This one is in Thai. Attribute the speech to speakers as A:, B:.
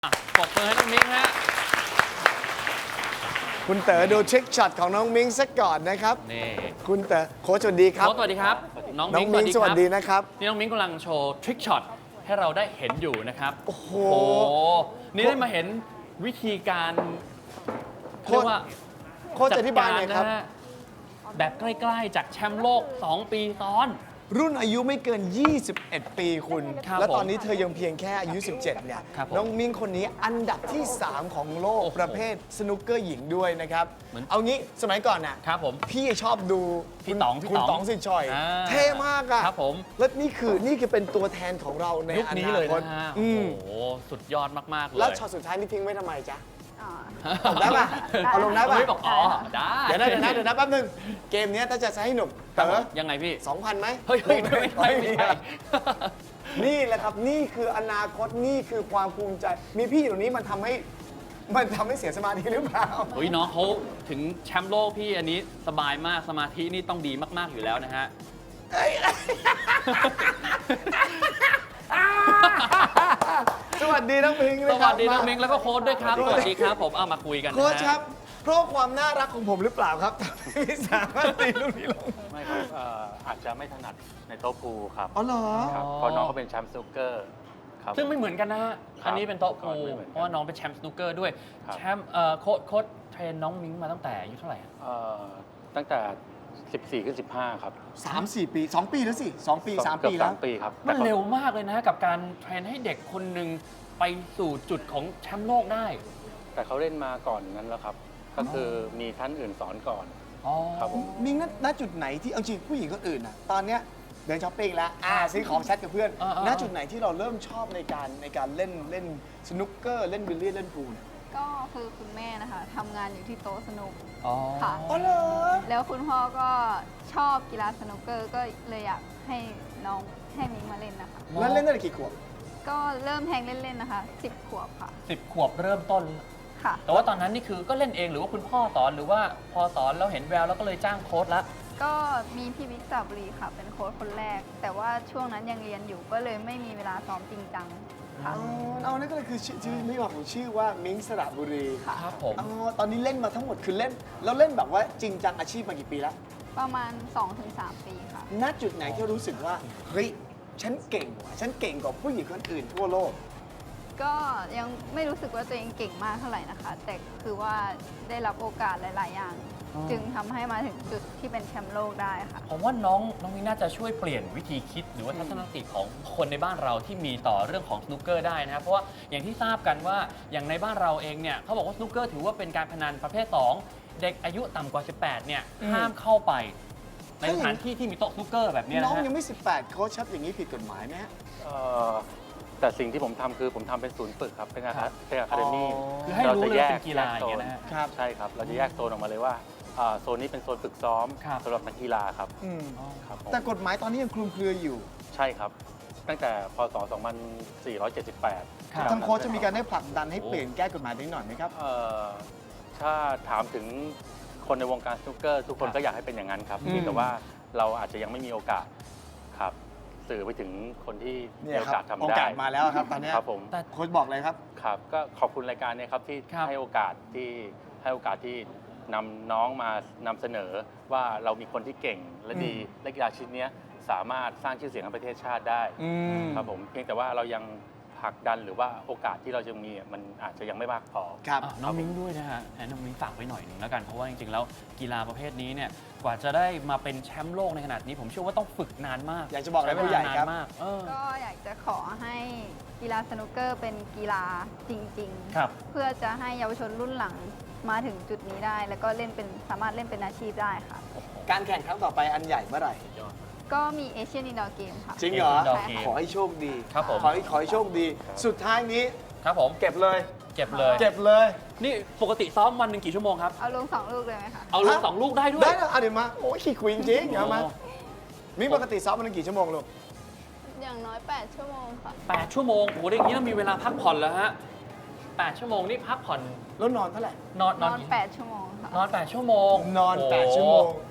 A: ปรบมือให้น้องมิ้งฮะ
B: คุณเต๋อดูทริคช็อตของน้องมิ้งสักก่อนนะครับ
A: นี่
B: คุณเต๋อโค้ชสวัสดีครับ
A: โค้ชสวัสดีครับ น้อง
B: น้อง
A: มิ้ง
B: มิ้งสวัสดีนะครับ
A: นี่น้องมิ้งกำลังโชว์ทริคช็อตให้เราได้เห็นอยู่นะครับ
B: โอ้โห
A: โอ้โห นี่ได้มาเห็นวิธีการ
B: โค้ช
A: เรียกว่า
B: โค้ชอธิบายหน่อยครับ
A: จัดกนะฮะแบบใกล้ๆจากแชมป์โลก 2 ปีซ้อน
B: รุ่นอายุไม่เกิน 21 ปีคุณ
A: ครับ
B: แล้วตอน
A: ผม
B: นี้เธอยังเพียงแค่อายุ 17 เนี่ย
A: ครับผม
B: น้องมิ้งคนนี้อันดับที่ 3 ของโลก
A: โอ้โห
B: ประเภทสนุกเกอร์หญิงด้วยนะครับ
A: เหมือน
B: เอางี้สมัยก่อนน่ะ
A: ครับผม
B: พี่ชอบดู
A: พี่ต๋อง
B: คุณต๋องสิชอย
A: อ่า
B: เท่มากอะ
A: ครับผม
B: แล้วนี่คือเป็นตัวแทนของเราใน
A: ยุค
B: อ
A: นี้
B: นา
A: เลย
B: คต
A: นะฮะ
B: อื
A: โอ้
B: ม
A: โห สุดยอดมากๆเลย
B: แล้วช็อตสุดท้ายนี่ทิ้งไว้ทำไมจ๊ะ
C: อ๋อ
B: เอาได้ปะเอาลงได้ปะ
A: ไม่บอกอ๋อได้
B: เดี๋ยวนะแป๊บนึง เกมเนี้ยถ้าจะให้หนุก
A: ครั
B: เต๋
A: บผ
B: อ
A: มยังไงพี่
B: 2,000ไหม
A: เฮ้ยไม่ใช่
B: นี่แหละครับนี่คืออนาคตนี่คือความภูมิใจ มีพี่อยู่ตรงนี้มันทำให้เสียสมาธิหรือเปล่า
A: เฮ้ยน้องเขาถึงแชมป์โลกพี่อันนี้สบายมากสมาธินี่ต้องดีมาก ๆ อยู่แล้วนะฮะ
B: สวัสดีน้องมิง
A: ส
B: นะค
A: วั
B: รับ
A: สดีน้องมิงแล้วก็โค้ดด้วยครับ สวัสดีครับผมเอามาคุยกันนะ
B: โค้ช
A: ฮะ
B: ครับ เพราะความน่ารักของผมหรือเปล่าครับที่สามารถตีลูกนี้ลง
D: ไม่ครับอาจจะไม่ถนัดในโต๊ะพูลครับ
B: อ๋อเหรอ
D: ครับเพราะน้องเขาเป็นแชมป์สนุกเกอร์ครับ
A: ซึ่งไม่เหมือนกันนะฮะ
D: ครับ
A: อันนี้เป็นโต๊ะ
D: ก่
A: พู
D: อน
A: ล
D: ไม่เหมือนกัน
A: เพราะว่าน้องเป็นแชมป์สนุกเกอร์ด้วย
D: ครับ
A: แชมป์โค้ดเทรนน้องมิงมาตั้งแต่อายุเท่าไหร่อะ
D: ตั้งแต่ 14 ขึ้น 15 ครับ
B: 3-4 ปี 2 ปีแล้วสิ 2 ปี 3
D: เกื
B: ปี
D: อบ
B: แล้ว
D: 3 ปีครับ
A: มัน
D: แต่
A: เร็วมากเลยนะกับการเทรนให้เด็กคนหนึ่งไปสู่จุดของแชมป์โลกได้
D: แต่เขาเล่นมาก่อนนั้นแล้วครับ ก็คือมีท่านอื่นสอนก่อน
A: อ๋อ
D: ครับผม
B: มิงณจุดไหนที่เอาจริงผู้หญิงคนอื่นน่ะตอนเนี้ยเดินช้อปปิ้งแล้วซื้อของแชทกับเพื่อนณจุดไหนที่เราเริ่มชอบในการเล่นสนุกเกอร์เล่นบิลเลียนเล่นพูลเนี่ย
C: ก็คือคุณแม่นะคะทำงานอยู่ที่โต๊ะสนุก
A: อ๋อ
C: ค่ะ
B: อ๋อเหรอ
C: แล้วคุณพ่อก็ชอบกีฬาสนุกเกอร์ก็เลยอยากให้น้องให้มิ้งมาเล่นนะคะ
B: แล้วเล่นตั้งแต่กี่ขวบ
C: ก็เริ่มแทงเล่นๆนะคะ 10 ขวบค่ะ
A: 10 ขวบเริ่มต้น
C: ค่ะ
A: แต่ว่าตอนนั้นนี่คือก็เล่นเองหรือว่าคุณพ่อสอนหรือว่าพอสอนแล้วเห็นแววแล้วก็เลยจ้างโค้ชละ
C: ก็มีพี่วิกสระบุรีค่ะ เป็นโค้ชคนแรก แต่ว่าช่วงนั้นยังเรียนอยู่ก็เลยไม่มีเวลาซ้อมจริงจังค่ะ
B: เอานั่นก็เลยคือชื่อไม่บอกของชื่อว่ามิงสระบุรี
C: ค่ะ
A: ครับผม
B: อ๋อตอนนี้เล่นมาทั้งหมดคือเล่นแล้วเล่นแบบว่าจริงจังอาชีพมากี่ปีแล้ว
C: ประมาณ 2-3 ปีค่ะ
B: ณจุดไหนที่รู้สึกว่าเฮ้ยฉันเก่งว่ะฉันเก่งกว่าผู้หญิงคนอื่นทั่วโลก
C: ก็ยังไม่รู้สึกว่าตัวเองเก่งมากเท่าไหร่นะคะ แต่คือว่าได้รับโอกาสหลาย ๆ อย่าง
A: อ๋อ
C: จึงทำให้มาถึงจุดที่เป็นแชมป์โลกได้ค่ะ
A: ผมว่าน้องมิ้งน่าจะช่วยเปลี่ยนวิธีคิดหรือว่าทัศนคติของคนในบ้านเราที่มีต่อเรื่องของสนุกเกอร์ได้นะครับเพราะว่าอย่างที่ทราบกันว่าอย่างในบ้านเราเองเนี่ยเขาบอกว่าสนุกเกอร์ถือว่าเป็นการพนันประเภท 2 เด็กอายุต่ำกว่า 18 เนี่ย
B: อืม
A: ห้ามเข้าไป ในสถานที่ที่มีโต๊ะสนุกเกอร์แบบเนี้ย
B: น้อง
A: นะฮะ
B: ยังไม่ 18 เขาชับอย่างนี้ผิดกฎหมายไหมฮะ
D: เอ่อแต่สิ่งที่ผมทำคือผมทำเป็นศูนย์ฝึกครับ เป็นอะคาเดมี่
A: คือให้รู้เลยว่าเป็นกีฬาอย่างเงี้ยนะฮะ
B: ครับ
D: ใช่ครับ เราจะแยกโซนออกมาเลยว่าโซนนี้เป็นโซนฝึกซ้อม
A: ครับ
D: สำหรับนักกีฬาครับ
B: อืม
D: ครับผม
B: แต่กฎหมายตอนนี้ยังคลุมเครืออยู่
D: ใช่ครับ ตั้งแต่พศ 2478
A: ครับ
B: ทางโค้ชจะมีการได้ผลักดันให้เปลี่ยนแก้กฎหมายนี้หน่อยไหมครับ
D: ถ้าถามถึงคนในวงการสนุกเกอร์ทุกคน
A: ครับ
D: ก็อยากให้เป็นอย่างนั้นครับ
B: อืม
D: เพียงแต่ว่าเราอาจจะยังไม่มีโอกาสครับสื่อไปถึงคนที่
B: เนี่
D: มี
B: ย
D: โอ
B: ครั
D: กา
B: บ
D: สทำ
B: โอ
D: ได้
B: กาสมาแล้วครับตอนเนี้ย
D: ครับผม
A: แต่
B: โค้ชบอกเลยครับ
D: ครับก็ขอบคุณรายการเนี้ครับที่
A: ครับ
D: ให้โอกาสที่นำน้องมานำเสนอว่าเรามีคนที่เก่งและดี
B: อืม
D: และกีฬาชนิดเนี้ยสามารถสร้างชื่อเสียงให้ประเทศชาติได้
B: อืม
D: ครับผมเพียงแต่ว่าเรายังผลักดันหรือว่าโอกาสที่เราจะมีมันอาจจะยังไม่มากพอ
B: ครับ
A: อ่ะน้องมิ้งด้วยนะฮะน้องมิ้งฝากไว้หน่อยหนึ่งแล้วกันเพราะว่าจริงๆแล้วกีฬาประเภทนี้เนี่ยกว่าจะได้มาเป็นแชมป์โลกในขนาดนี้ ผมเชื่อว่าต้องฝึกนานมาก
B: อยากจะบอกอะไรผู้ใหญ่ครับ
A: ช้เวลานานมาก
C: ก็อยากจะขอให้กีฬาสนุกเกอร์เป็นกีฬาจริง
A: ครับ
C: ๆ เพื่อจะให้เยาวชนรุ่นหลังมาถึงจุดนี้ได้ แล้วก็สามารถเล่นเป็นอาชีพได้ค่ะ
B: การแข่งครั้งต่อไปอันใหญ่เมื่อไหร่
C: ก็มีเอเชียนอินดอร์เกมค่ะ
B: จริงเหรอ
A: Indoor Game
B: ขอให้โชคดี
A: ครับผม
B: ขอให้โชคดี สุดท้ายนี้
A: ครับผม
B: เก็บเลย
A: เก็บเลย
B: เก็บเลย
A: นี่ปกติซ้อมวันหนึ่งกี่ชั่วโมงครับ
C: เอาลง 2 ลูกเลยไหมคะ
A: เอาลง
B: ฮะ
A: 2 ลูกได้ด้วย
B: ได้แล้วเดี๋ยวมา โอ้ยขี้คุยจริงๆเอามา
A: โอ้
B: มีปกติซ้อมมันกี่ชั่วโมงลูก
C: อย่างน้อย 8 ชั่วโมงค่ะ
A: 8 ชั่วโมงโอ้โหอย่างนี้ต้องมีเวลาพักผ่อนแล้วฮะ8 ชั่วโมงนี่พักผ่อน
B: แล้วนอนเท่าไหร่
A: นอน
C: นอน 8 ชั่วโมงค่ะ
A: นอน 8 ชั่วโมง
B: นอน
A: โโห
B: 8 ชั่วโมง